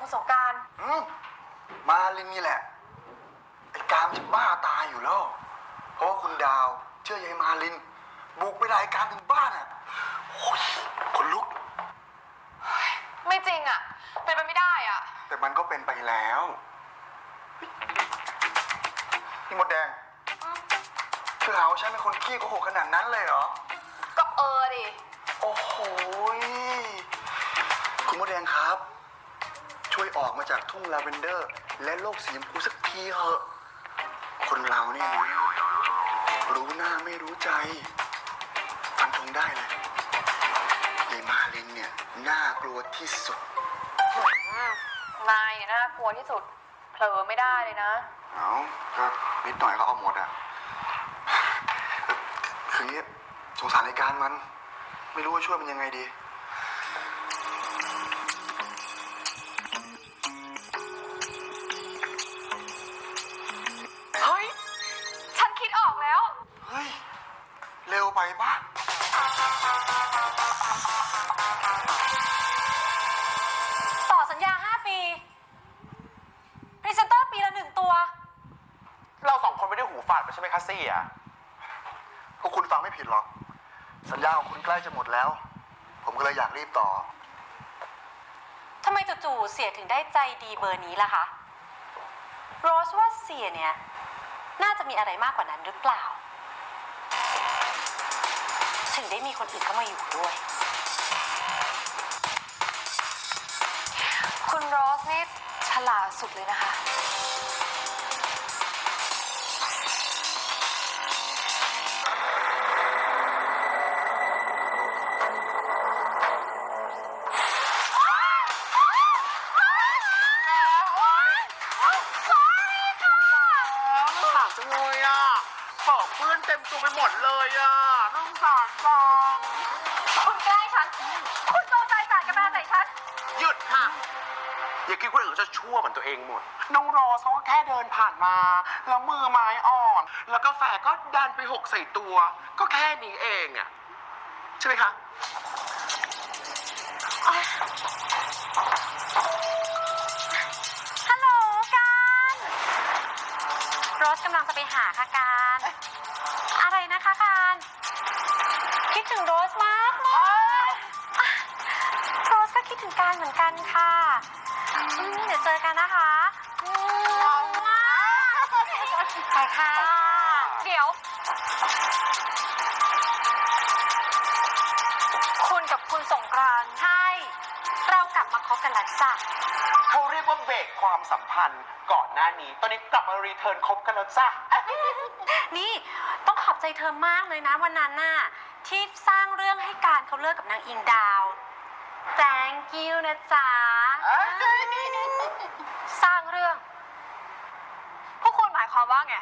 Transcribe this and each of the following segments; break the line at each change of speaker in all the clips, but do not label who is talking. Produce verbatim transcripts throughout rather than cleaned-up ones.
คุณสงกรานต์
มาลินนี่แหละไอ้การจะบ้าตายอยู่แล้วเพราะว่าคุณดาวเชื่อยายมาลินบุกไปรายการถึงบ้านอ่ะโอ้ยขนลุก
ไม่จริงอ่ะเป็นไปไม่ได้อ่ะ
แต่มันก็เป็นไปแล้วนี่มดแดงเธอหาว่าฉันเป็นคนขี้โกหกขนาดนั้นเลยเหรอ
ก็เออดิ
โอ้โหคุณมดแดงครับช่วยออกมาจากทุ่งลาเวนเดอร์และโลกสีชมพูสักทีเถอะคนเราเนี่ยรู้หน้าไม่รู้ใจฟันธงได้เลยยายมาลินเนี่ยน่ากลัวที่สุด
นายเนี่ยน่ากลัวที่สุดเผลอไม่ได้เลยนะ
เอาก็นิดหน่อยก็เอาหมดอ่ะคืองี้สงสารรายการมันไม่รู้ว่าช่วยมันยังไงดี
เฮ้ยฉันคิดออกแล้ว
เฮ้ยเร็วไปปะ
ต่อสัญญาห้าปีพรีเซนเตอร์ปีละหนึ่งตัว
เราสองคนไม่ได้หูฝาดไปใช่ไหมคะซี่อ่ะ
พวกคุณฟังไม่ผิดหรอกสัญญาของคุณใกล้จะหมดแล้วผมก็เลยอยากรีบต่อ
ทำไมจู่ๆเสียถึงได้ใจดีเบอร์นี้ล่ะคะโรสว่าเสียเนี่ยน่าจะมีอะไรมากกว่านั้นหรือเปล่าถึงได้มีคนอื่นเข้ามาอยู่ด้วย
คุณโรสนี่ฉลาดสุดเลยนะคะ
เพื่อนเต็มตัวไปหมดเลยอ่ะน้องสารฟัง
คุณใกล้ฉันคุณโจมใจสาดกระดาษใส่ฉัน
หยุดค่ะอย่าคิดคนอื่นจะชั่วเหมือนตัวเองหมดน้องรอเขาก็แค่เดินผ่านมาแล้วมือไม้อ่อนแล้วกาแฟก็ดันไปหกใส่ตัวก็แค่นี้เองอ่ะใช่ไหมคะ
ฮัลโหลการโรสกำลังจะไปหาค่ะการอะไรนะคะการคิดถึงโรสมากเลยโรสก็คิดถึงการเหมือนกันค่ะเดี๋ยวเจอกันนะคะไปค่ะ
เดี๋ยวคุณกับคุณสงกรานต์
ใช่เรากลับมาคบกันแล้วจ้ะ
เขาเรียกว่าเบรกความสัมพันธ์ก่อนหน้านี้ตอนนี้กลับมารีเทิร์นคบกันแล้วจ้ะ
นี่ต้องขอบใจเธอมากเลยนะวันนั้นน่ะที่สร้างเรื่องให้การเขาเลิกกับนางอิงดาว thank you นะจ๊ะ
สร้างเรื่องพวกคุณหมายความว่าไง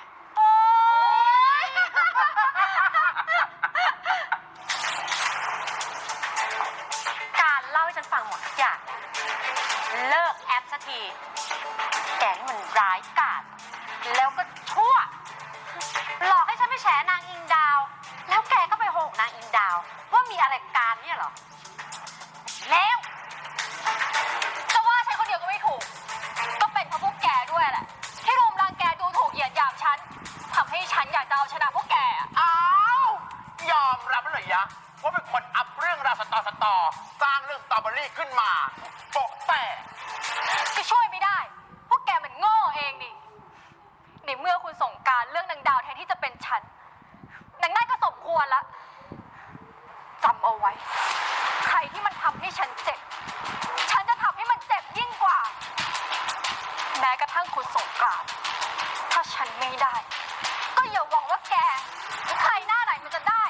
การเล่าให้ฉันฟังหมดทุกอย่างเลิกแอปสักทีแกนี่มันร้ายกาจแล้วก็ชั่วหลอกให้ฉันไปแฉนางอิงดาวแล้วแกก็ไปโหกนางอิงดาวว่ามีอะไรการเนี่ยเหรอแล้ว
จะว่าใช่คนเดียวก็ไม่ถูกก็เป็นเพราะพวกแกด้วยแหละที่รุมรังแกดูถูกเหยียดหยามฉันทำให้ฉันอยากจะเอาชนะพวกแก
อ้าวยอมรับเลยยะว่าเป็นคนอัพเรื่องราวสตอสตอสร้างเรื่องสตรอเบอรี่ขึ้นมาโปะแปะ
จะช่วยไม่ได้พวกแกมันโง่เองดิในเมื่อคุณสงกรานต์เรื่องนางดาวแทนที่จะเป็นฉันนางได้ก็สมควรละจำเอาไว้ใครที่มันทำให้ฉันเจ็บฉันจะทำให้มันเจ็บยิ่งกว่าแม้กระทั่งคุณสงกรานต์ถ้าฉันไม่ได้ก็อย่าหวังว่าแกหรือใครหน้าไหนมันจะได้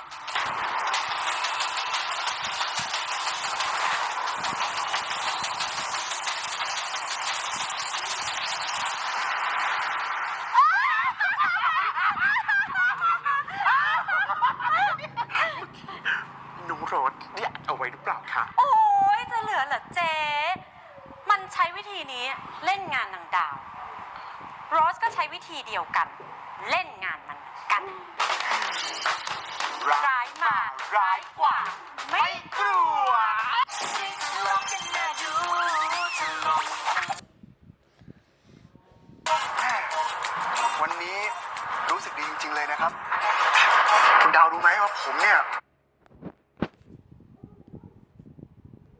หนูโรสเนี่ยเอาไว้หรือเปล่าคะ
โอ้ยจะเหลือเหรอเจ๊มันใช้วิธีนี้เล่นงานนางดาวโรสก็ใช้วิธีเดียวกันเล่นงานมันกันร้ายมาร้ายกว่าไม่
กลัว
วันนี้รู้สึกดีจริงๆเลยนะครับ คุณดาวรู้ไหมว่าผมเนี่ย